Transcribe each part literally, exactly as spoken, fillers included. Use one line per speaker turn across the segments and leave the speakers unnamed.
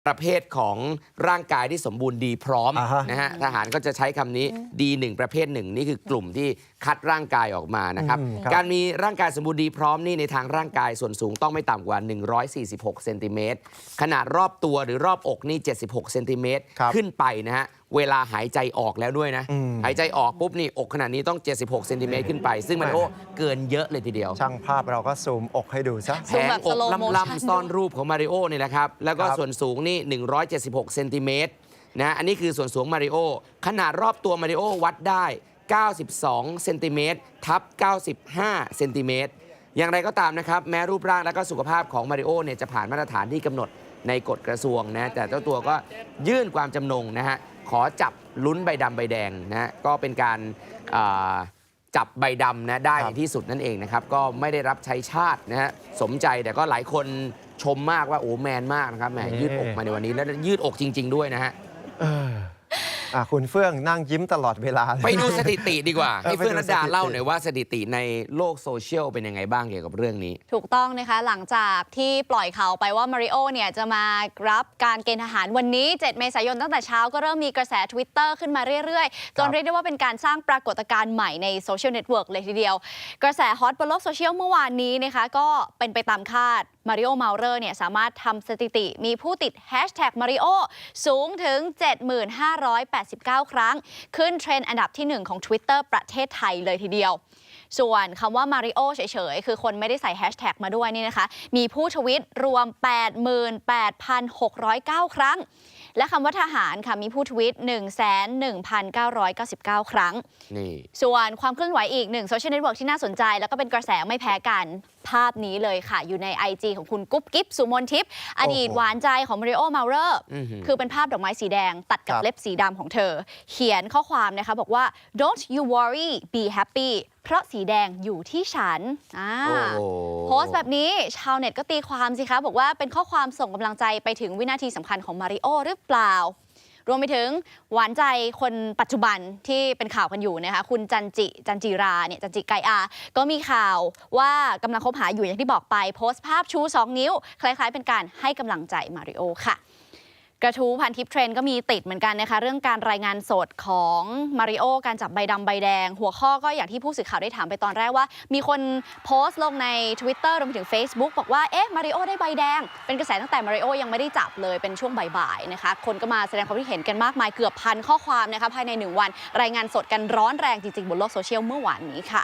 ประเภทของร่างกายที่สมบูรณ์ดีพร้อมนะฮะทหารก็จะใช้คำนี้ดีหนึ่งประเภทหนึ่งนี่คือกลุ่มที่คัดร่างกายออกมานะครับการมีร่างกายสมบูรณ์ดีพร้อมนี่ในทางร่างกายส่วนสูงต้องไม่ต่ำกว่าหนึ่งร้อยสี่สิบหกเซนติเมตรขนาดรอบตัวหรือรอบอกนี่เจ็ดสิบหกเซนติเมตรขึ้นไปนะฮะเวลาหายใจออกแล้วด้วยนะหายใจออกปุ๊บนี่อกขนาดนี้ต้องเจ็ดสิบหกเซนติเมตรขึ้นไปซึ่งมันโอ้เกินเยอะเลยทีเดียว
ช่างภาพเราก็ซูมอกให้ดูซะ
แผงอกลำๆซ่อนรูปของมาริโอนี่แหละครับแล้วก็ส่วนสูงนี่หนึ่งร้อยเจ็ดสิบหกเซนติเมตรนะอันนี้คือส่วนสูงมาริโอขนาดรอบตัวมาริโอวัดได้เก้าสิบสองเซนติเมตรทับเก้าสิบห้าเซนติเมตรอย่างไรก็ตามนะครับแม้รูปร่างและก็สุขภาพของมาริโอเนี่ยจะผ่านมาตรฐานที่กำหนดในกฎกระทรวงนะแต่เจ้าตัวก็ยื่นความจำนงนะฮะขอจับลุ้นใบดำใบแดงนะก็เป็นการจับใบดำนะได้ในที่สุดนั่นเองนะครับก็ไม่ได้รับใช้ชาตินะฮะสมใจแต่ก็หลายคนชมมากว่าโอ้แมนมากนะครับแหมยืดอกมาในวันนี้แล้วยืดอกจริงๆด้วยนะฮะ
คุณเฟื่องนั่งยิ้มตลอดเวลา
ไปดูสถิติดีกว่าให้เฟื่องรัตดาเล่าหน่อยว่าสถิติในโลกโซเชียลเป็นยังไงบ้างเกี่ยวกับเรื่องนี้
ถูกต้องนะคะหลังจากที่ปล่อยข่าวไปว่ามาริโอเนี่ยจะมารับการเกณฑ์ทหารวันนี้เจ็ดเมษายนตั้งแต่เช้าก็เริ่มมีกระแส Twitter ขึ้นมาเรื่อยๆจนเรียกได้ว่าเป็นการสร้างปรากฏการณ์ใหม่ในโซเชียลเน็ตเวิร์กเลยทีเดียวกระแสฮอตบนโลกโซเชียลเมื่อวานนี้นะคะก็เป็นไปตามคาดมาริโอเมาเลอร์เนี่ยสามารถทำสถิติมีผู้ติดแฮชแท็กมาริโอสูงถึง เจ็ดหมื่นห้าร้อยแปดสิบเก้า ครั้งขึ้นเทรนด์อันดับที่หนึ่งของ Twitter ประเทศไทยเลยทีเดียวส่วนคำว่ามาริโอเฉยๆคือคนไม่ได้ใส่แฮชแท็กมาด้วยนี่นะคะมีผู้ทวิตรวม แปดหมื่นแปดพันหกร้อยเก้า ครั้งและคำว่าทหารค่ะมีผู้ทวิต หนึ่งแสนหนึ่งพันเก้าร้อยเก้าสิบเก้า ครั้งนี่ส่วนความเคลื่อนไหวอีกหนึ่งโซเชียลเน็ตเวิร์กที่น่าสนใจแล้วก็เป็นกระแสไม่แพ้กันภาพนี้เลยค่ะอยู่ใน ไอ จี ของคุณกุ๊บกิ๊บสุมนทิพย์อดีตหวานใจของมาริโอเมาเลอร์คือเป็นภาพดอกไม้สีแดงตัดกับเล็บสีดำของเธอเขียนข้อความนะคะบอกว่า don't you worry be happy เพราะสีแดงอยู่ที่ฉันโพสต์แบบนี้ชาวเน็ตก็ตีความสิคะบอกว่าเป็นข้อความส่งกำลังใจไปถึงวินาทีสำคัญของมาริโอหรือเปล่ารวมไปถึงหวานใจคนปัจจุบันที่เป็นข่าวกันอยู่นะคะคุณจันจิจันจิราเนี่ยจันจิไกอาก็มีข่าวว่ากำลังคบหาอยู่อย่างที่บอกไปโพสต์ภาพชูสองนิ้วคล้ายๆเป็นการให้กำลังใจมาริโอค่ะกระทู้พันทิปเทรนด์ก็มีติดเหมือนกันนะคะเรื่องการรายงานสดของมาริโอการจับใบดำใบแดงหัวข้อก็อย่างที่ผู้สื่อข่าวได้ถามไปตอนแรกว่ามีคนโพสต์ลงใน Twitter รวมไปถึง Facebook บอกว่าเอ๊ะมาริโอได้ใบแดงเป็นกระแสตั้งแต่มาริโอยังไม่ได้จับเลยเป็นช่วงบ่ายๆนะคะคนก็มาแสดงความคิดเห็นกันมากมายเกือบพันข้อความนะคะภายในหนึ่งวันรายงานสดกันร้อนแรงจริงๆบนโลกโซเชียลเมื่อวานนี้ค่ะ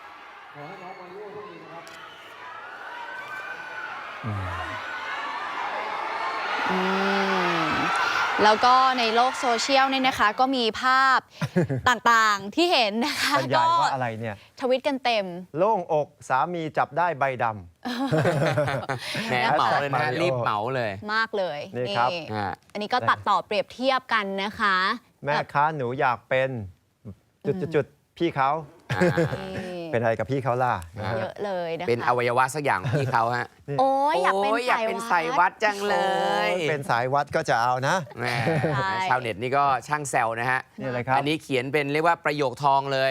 แล้วก็ในโลกโซเชียลเนี่ยนะคะก็มีภาพต่างๆที่เห็นนะคะ
ก็ว่าอะไรเนี่ย
ทวิตกันเต็ม
โล่งอกสามีจับได้ใบด
ำแหมเหมาเลยนะรีบเหมาเลย
มากเลย
นี่ครับ
อันนี้ก็ตัดต่อเปรียบเทียบกันนะคะ
แม่ค้าหนูอยากเป็นจุดๆพี่เขาเป็นอะไรกับพี่เขาล่ะ
เยอะเลยนะคะ
เป็นอวัยวะสักอย่างพี่เขาฮะ
โอ้ยอยาก
เป็นสายวัดจังเลย
เป็นสายวัดก็จะเอานะ
ชาวเน็ตนี่ก็ช่างแซวนะฮะ
นี่อะไรครับ
อันนี้เขียนเป็นเรียกว่าประโยคทองเลย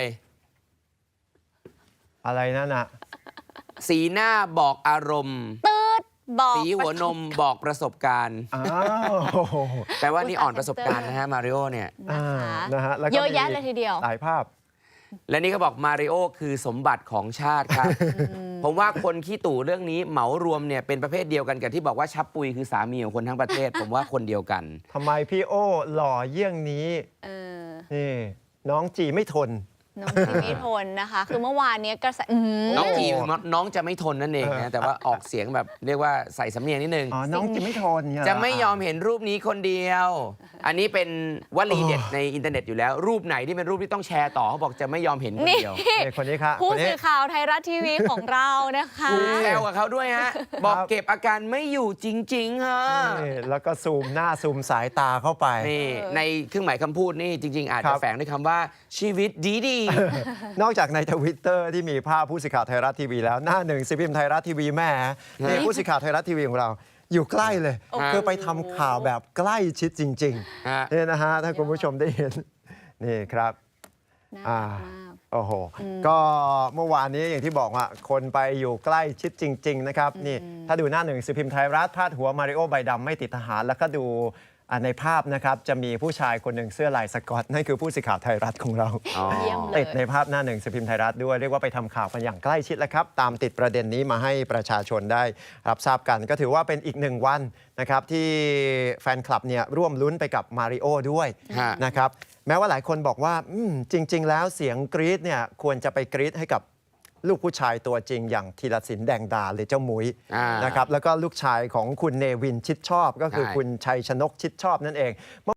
อะไรนั่นน่ะ
สีหน้าบอกอารมณ์
ตืดบอก
สีหัวนมบอกประสบการณ์แปลว่านี่อ่อนประสบการณ์นะฮะมาริโอเนี่ย
นะฮะ
เยอะแยะเลยทีเดียว
หลายภาพ
และนี่เขาบอกมาริโอคือสมบัติของชาติครับ ผมว่าคนขี้ตู่เรื่องนี้เหมารวมเนี่ยเป็นประเภทเดียวกันกับที่บอกว่าชับปุยคือสามีของคนทั้งประเทศ ผมว่าคนเดียวกัน
ทำไมพี่โอหล่อเยี่ยงนี้นี่น้องจีไม่ทน
น้องจีไม่ทนนะคะคือเมื่อวานนี้กระแส
น้องจีน้องจะไม่ทนนั่นเองนะแต่ว่าออกเสียงแบบเรียกว่าใส่สำเนียงนิดนึง
อ๋อน้องจะไม่ทน
จะไม่ยอมเห็นรูปนี้คนเดียวอันนี้เป็นวลีเด็ดในอินเทอร์เน็ตอยู่แล้วรูปไหนที่เป็นรูปที่ต้องแชร์ต่อเขาบอกจะไม่ยอมเห็นคนเดียว
คนนี้ครับ
ผู้สื่อข่าวไทยรัฐทีวีของเรานะคะ
แซวกับเขาด้วยฮะบอกเก็บอาการไม่อยู่จริงๆฮะ
แล้วก็ซูมหน้าซูมสายตาเข้าไป
นี่ในเครื่องหมายคำพูดนี่จริงๆอาจจะแฝงด้วยคำว่าชีวิตดีๆ
นอกจากในทวิตเตอร์ที่มีภาพผู้สื่อข่าวไทยรัฐทีวีแล้วหน้าหนึ่งสิบพิมพ์ไทยรัฐทีวีแม่นี่ผู้สื่อข่าวไทยรัฐทีวีของเราอยู่ใกล้เลยคือไปทำข่าวแบบใกล้ชิดจริงๆนี่นะฮะถ้าคุณผู้ชมได้เห็นนี่ครับ
อ่า
โอ้โห ก็เมื่อวานนี้อย่างที่บอกว่าคนไปอยู่ใกล้ชิดจริง ๆ นะครับ นี่ถ้าดูหน้าหนึ่งสือพิมพ์ไทยรัฐพาดหัวมาริโอใบดำไม่ติดทหาร แล้วก็ดูอ่าในภาพนะครับ จะมีผู้ชายคนหนึ่งเสื้อลายสก๊อต นั่นคือผู้สื่อข่าวไทยรัฐของเรา
อ๋อ
เยี่ยมเลย
ติดในภาพหน้าหนึ่งสือพิมพ์ไทยรัฐด้วย เรียกว่าไปทำข่าวกันอย่างใกล้ชิดแล้วครับ ตามติดประเด็นนี้มาให้ประชาชนได้รับทราบกัน ก็ถือว่าเป็นอีกหนึ่งวันนะครับที่แฟนคลับเนี่ยร่วมลุ้นไปกับมาริโอด้วย
ฮะ
นะครับแม้ว่าหลายคนบอกว่าอืมจริง ๆ แล้วเสียงกรี๊ดเนี่ยควรจะไปกรี๊ดให้กับลูกผู้ชายตัวจริงอย่างธีรศิลป์แดงดาหรือเจ้าหมุย
อ่าน
นะครับแล้วก็ลูกชายของคุณเนวินชิดชอบ ก็คือ
ใช่
คุณชัยชนกชิดชอบนั่นเอง